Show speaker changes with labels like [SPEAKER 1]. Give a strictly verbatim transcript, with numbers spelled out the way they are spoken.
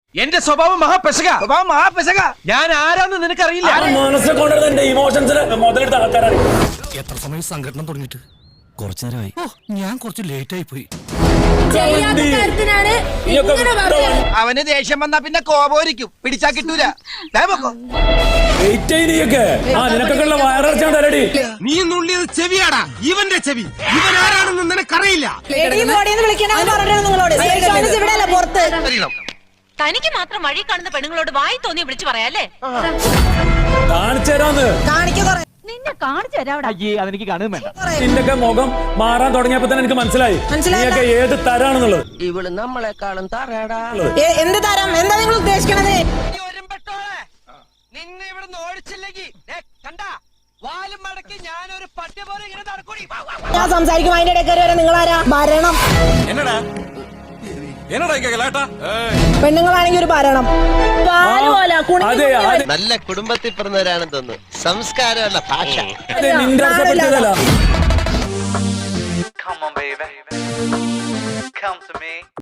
[SPEAKER 1] എന്റെ സ്വഭാവം മഹാപെശക
[SPEAKER 2] സ്വഭാവം മഹാപെശക.
[SPEAKER 1] ഞാൻ ആരാന്ന് നിനക്കറിയില്ല.
[SPEAKER 3] മനസ്സിൽ കൊണ്ടുവരുന്ന ഇമോഷൻസിന് മുതലെടുത്ത ആൾക്കാരാണ്.
[SPEAKER 4] എത്ര സമയം സംഘടന തുടങ്ങിയിട്ട്? കുറച്ചു നേരമായി. ഓ, ഞാൻ കുറച്ച് ലേറ്റ് ആയി പോയി.
[SPEAKER 2] അവന് ദേഷ്യം വന്നാ പിന്നെ കോപോരിക്കും, പിടിച്ചാ കിട്ടൂല.
[SPEAKER 1] നീ നുള്ളിയത് ചെവിയാടാ, ഇവന്റെ ചെവി. ഇവൻ ആരാണെന്ന് നിനക്കറിയില്ല.
[SPEAKER 5] തനിക്ക് മാത്രം വഴി കാണുന്ന പെണ്ണുങ്ങളോട് വായി തോന്നി വിളിച്ചു പറയാല്ലേ? നിന്നെ കാണിച്ചു തരാവിടെ.
[SPEAKER 3] അതെനിക്ക് കാണുകയും വേണ്ട. നിന്റെയൊക്കെ മുഖം മാറാൻ തുടങ്ങിയപ്പോ തന്നെ എനിക്ക് മനസ്സിലായി നീയൊക്കെ ഏത് തരാണെന്നുള്ളത്.
[SPEAKER 6] ഇവള് നമ്മളെക്കാളും തറയടാ.
[SPEAKER 7] എന്ത് തരം? എന്താ നിങ്ങൾ ഉദ്ദേശിക്കണത്?
[SPEAKER 2] നിന്നെ ഇവിടെ ഓടിച്ചില്ലെങ്കിൽ കണ്ടാ വാലും മടക്കി ഞാനൊരു പട്ടി പോലെ ഇങ്ങനെ നടക്കൂടി.
[SPEAKER 7] ഞാൻ സംസാരിക്കും, അതിന്റെ ഇടയ്ക്ക് വരെ നിങ്ങളാരാ? ഭരണം.
[SPEAKER 4] എന്നടാ എന്നടാ കേട്ടാ?
[SPEAKER 7] പെണ്ണുങ്ങളാണെങ്കിൽ ഒരു ഭരണം.
[SPEAKER 6] നല്ല കുടുംബത്തിൽ പിറന്നവരാണെന്ന് തോന്നുന്നു. സംസ്കാരമല്ല ഭാഷ.
[SPEAKER 3] നിന്റെ പറ്റിയതല്ല.
[SPEAKER 8] Come on, baby. Come to me.